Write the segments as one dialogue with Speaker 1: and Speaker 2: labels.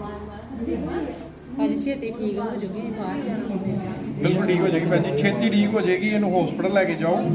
Speaker 1: ਭਾਜੀ ਛੇਤੀ ਠੀਕ ਹੋ ਜੂਗੀ ਬਾਹਰ ਜਾਣਾ
Speaker 2: ਬਿਲਕੁਲ ਠੀਕ ਹੋ ਜਾਏਗੀ ਭੈਣ ਜੀ, ਛੇਤੀ ਠੀਕ ਹੋ ਜਾਏਗੀ। ਇਹਨੂੰ ਹਸਪੀਟਲ ਲੈ ਕੇ ਜਾਓ।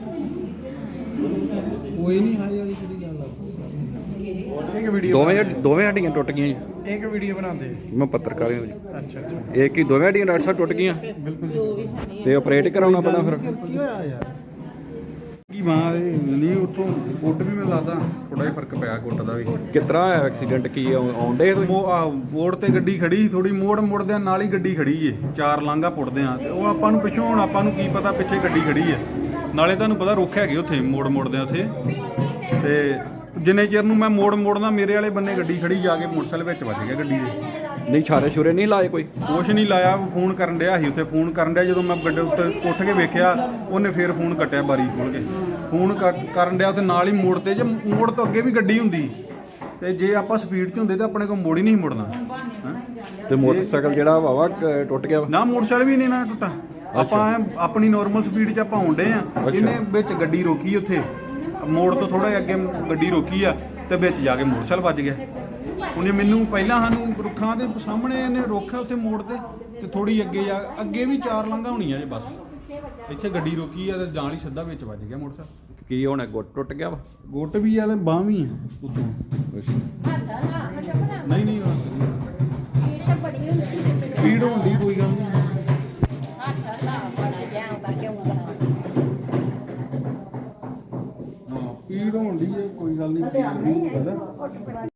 Speaker 3: ਕੋਈ ਨਹੀਂ ਹਾਈ ਵਾਲੀ ਕਿਹੜੀ ਗੱਲ ਆ।
Speaker 2: ਇੱਕ ਵੀਡੀਓ
Speaker 4: ਦੋਵੇਂ ਹੱਡੀਆਂ ਟੁੱਟ ਗਈਆਂ ਜੀ।
Speaker 2: ਇੱਕ ਵੀਡੀਓ ਬਣਾਉਂਦੇ।
Speaker 4: ਮੈਂ ਪੱਤਰਕਾਰ ਹਾਂ ਜੀ।
Speaker 2: ਅੱਛਾ ਅੱਛਾ
Speaker 4: ਇਹ ਕੀ ਦੋਵੇਂ ਹੱਡੀਆਂ ਡਾਕਟਰ ਸਾਹਿਬ ਟੁੱਟ ਗਈਆਂ
Speaker 2: ਬਿਲਕੁਲ।
Speaker 4: ਤੇ ਆਪਰੇਟ ਕਰਾਉਣਾ ਪੈਣਾ ਫਿਰ?
Speaker 3: ਕੀ ਹੋਇਆ ਯਾਰ? ਕੀ ਮਾਂ ਨਹੀਂ ਉੱਥੋਂ ਗੁੱਟ ਵੀ ਮੈਨੂੰ ਲੱਗਦਾ ਥੋੜਾ ਜਿਹਾ ਫਰਕ ਪਿਆ ਗੁੱਟ ਦਾ ਵੀ।
Speaker 4: ਕਿਤਰਾ ਹੋਇਆ ਐਕਸੀਡੈਂਟ? ਕੀ ਆਉਂਦੇ
Speaker 3: ਮੋੜ ਤੇ ਗੱਡੀ ਖੜੀ ਥੋੜੀ ਮੋੜ ਮੁੜਦਿਆਂ ਨਾਲ ਹੀ ਗੱਡੀ ਖੜੀ ਏ। ਚਾਰ ਲਾਂਘਾ ਪੁੱਟਦੇ ਆ ਤੇ ਉਹ ਆਪਾਂ ਨੂੰ ਪਿੱਛੋਂ ਹੁਣ ਆਪਾਂ ਨੂੰ ਕੀ ਪਤਾ ਪਿੱਛੇ ਗੱਡੀ ਖੜੀ ਏ। ਨਾਲੇ ਤੁਹਾਨੂੰ ਪਤਾ ਰੁੱਖ ਹੈਗੇ ਉੱਥੇ ਮੋੜ ਮੁੜਦਿਆਂ ਉੱਥੇ। ਤੇ ਜਿੰਨੇ ਚਿਰ ਨੂੰ ਮੈਂ ਮੋੜਨਾ ਮੇਰੇ ਵਾਲੇ ਬੰਨੇ ਗੱਡੀ ਖੜੀ ਜਾ ਕੇ ਮੋਟਰਸਾਈਕਲ ਵਿੱਚ ਵੱਜ ਗਿਆ ਗੱਡੀ ਦੇ।
Speaker 4: ਨਹੀਂ ਛਾਰੇ ਛੁਰੇ ਨਹੀਂ ਲਾਏ ਕੋਈ?
Speaker 3: ਕੁਛ ਨਹੀਂ ਲਾਇਆ। ਫੋਨ ਕਰਨ ਡਿਆ ਸੀ ਉੱਥੇ ਫੋਨ ਕਰਨ ਡਿਆ। ਜਦੋਂ ਮੈਂ ਗੱਡੇ ਉੱਤੇ ਉੱਠ ਕੇ ਵੇਖਿਆ ਉਹਨੇ ਫੇਰ ਫੋਨ ਕੱਟਿਆ ਬਾਰੀ ਖੋਲ ਕੇ। ਫੋਨ ਕਰਨ ਡਿਆ ਤੇ ਨਾਲ ਹੀ ਮੋੜ ਤੇ ਜੇ ਮੋੜ ਤੋਂ ਅੱਗੇ ਵੀ ਗੱਡੀ ਹੁੰਦੀ ਤੇ ਜੇ ਆਪਾਂ ਸਪੀਡ 'ਚ ਹੁੰਦੇ ਤਾਂ ਆਪਣੇ ਕੋਲ ਮੋੜ ਹੀ ਨਹੀਂ ਮੁੜਨਾ।
Speaker 4: ਤੇ ਮੋਟਰਸਾਈਕਲ ਜਿਹੜਾ ਵਾਵਾ ਟੁੱਟ ਗਿਆ?
Speaker 3: ਨਾ ਮੋਟਰਸਾਈਕਲ ਵੀ ਨਹੀਂ ਨਾ ਟੁੱਟਾ। ਆਪਾਂ ਆਪਣੀ ਨਾਰਮਲ ਸਪੀਡ 'ਚ ਆਪਾਂ ਆਉਂਦੇ ਆ। ਇਹਨੇ ਵਿੱਚ ਗੱਡੀ ਰੋਕੀ ਉੱਥੇ ਮੋੜ ਤੋਂ ਥੋੜਾ ਅੱਗੇ ਗੱਡੀ ਰੋਕੀ ਆ ਤੇ ਵਿੱਚ ਜਾ ਕੇ ਮੋਟਰਸਾਈਕਲ ਵੱਜ ਗਿਆ। ਉਹਨੇ ਮੈਨੂੰ ਪਹਿਲਾਂ ਸਾਨੂੰ ਰੁੱਖਾਂ ਦੇ ਸਾਹਮਣੇ ਇਹਨੇ ਰੋਕਿਆ ਉੱਥੇ ਮੋੜ ਤੇ ਥੋੜੀ ਅੱਗੇ ਵੀ ਚਾਰ ਲਾਂਘਾ ਹੋਣੀਆਂ ਜੇ ਬਸ। ਇੱਥੇ ਗੱਡੀ ਰੋਕੀ ਆ ਤੇ ਜਾਣ ਹੀ ਸਿੱਧਾ ਵਿੱਚ ਵੱਜ ਗਿਆ ਮੋਟਰਸਾਈਕਲ।
Speaker 4: ਕੀ ਹੋਣਾ? ਗੁੱਟ ਟੁੱਟ ਗਿਆ ਵਾ?
Speaker 3: ਗੁੱਟ ਵੀ ਆ ਤੇ ਬਾਂਹ ਵੀ ਆ ਉੱਤੋਂ। ਨਹੀਂ ਪੀੜ ਹੋਣ ਦੀ ਕੋਈ ਗੱਲ ਨਹੀਂ। ਪੀੜ ਹੋਣ ਦੀ ਕੋਈ ਗੱਲ ਨਹੀਂ।